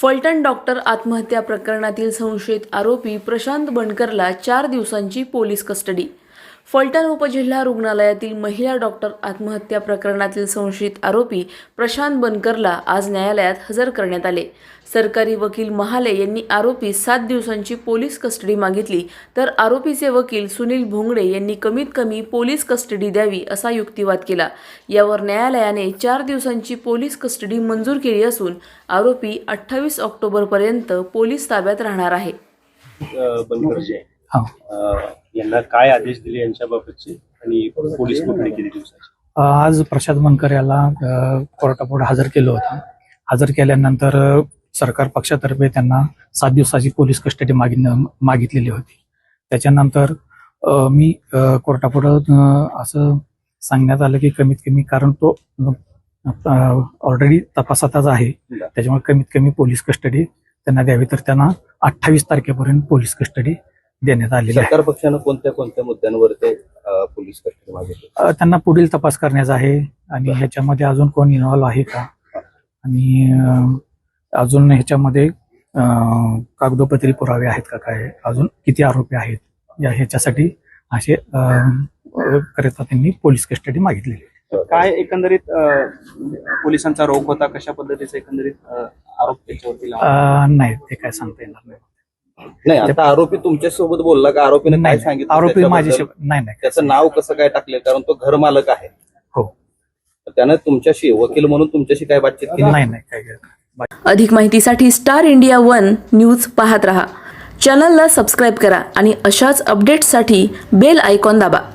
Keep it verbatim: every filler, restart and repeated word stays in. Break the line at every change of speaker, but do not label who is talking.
Phaltan doctor आत्महत्या प्रकरणातील संशयित आरोपी प्रशांत बनकरला चार दिवसांची पोलीस कस्टडी। फलटण उपजिल्हा रुग्णालयातील महिला डॉक्टर आत्महत्या प्रकरणातील संशयित आरोपी प्रशांत बनकरला आज न्यायालयात हजर करण्यात आले। सरकारी वकील महाले यांनी आरोपी सात दिवसांची पोलीस कस्टडी मागितली, तर आरोपीचे वकील सुनील भोंगडे यांनी कमीत कमी पोलीस कस्टडी द्यावी असा युक्तिवाद केला। यावर न्यायालयाने चार दिवसांची पोलीस कस्टडी मंजूर केली असून आरोपी अठ्ठावीस ऑक्टोबर पर्यंत पोलीस ताब्यात राहणार आहे।
बनकरचे यांना काय आदेश दिले यांच्याबाबतचे आणि पोलीस कोठडी किती दिवसाची?
आज प्रशांत बनकर याला कोर्टापुढे हजर केलं होतं। हजर केल्यानंतर सरकार पक्षातर्फे त्यांना सात दिवसाची पोलीस कस्टडी मागितलेली होती। त्याच्यानंतर मी कोर्टापुढे असं सांगण्यात आलं की कमीत कमी, कारण तो ऑलरेडी तपासातच आहे, त्याच्यामुळे कमीत कमी पोलीस कस्टडी त्यांना द्यावी, तर त्यांना अठ्ठावीस तारखेपर्यंत पोलीस कस्टडी देण्यात आलेली आहे।
सरकार पक्षानं कोणत्या कोणत्या मुद्द्यांवर ते पोलीस कस्टडी मागितली?
त्यांना पुढील तपास करण्याचा आहे आणि ह्याच्यामध्ये अजून कोण इन्व्हॉल्व आहे का, आणि अजून ह्याच्यामध्ये कागदोपत्री पुरावे आहेत का, काय अजून किती आरोपी आहेत, या ह्याच्यासाठी असे करता त्यांनी पोलीस कस्टडी मागितलेली।
काय एकंदरीत पोलिसांचा रोख होता, कशा पद्धतीचा एकंदरीत आरोप त्याच्यावरती लावला?
नाही, ते काय सांगता येणार नाही।
नाही, आता आरोपी तुमच्या सोबत बोलला का? आरोपीने काय सांगितलं?
आरोपी माझ्याशी नाही नाही
त्याचं नाव कसं काय टाकले? कारण तो घर मालक आहे।
हो,
त्यानं तुमच्याशी वकील म्हणून तुमच्याशी काय बातचीत केली?
नाही नाही काय।
अधिक माहितीसाठी स्टार इंडिया वन न्यूज पाहत रहा। चॅनलला सबस्क्राइब करा आणि अशाच अपडेट्ससाठी बेल आयकॉन दाबा।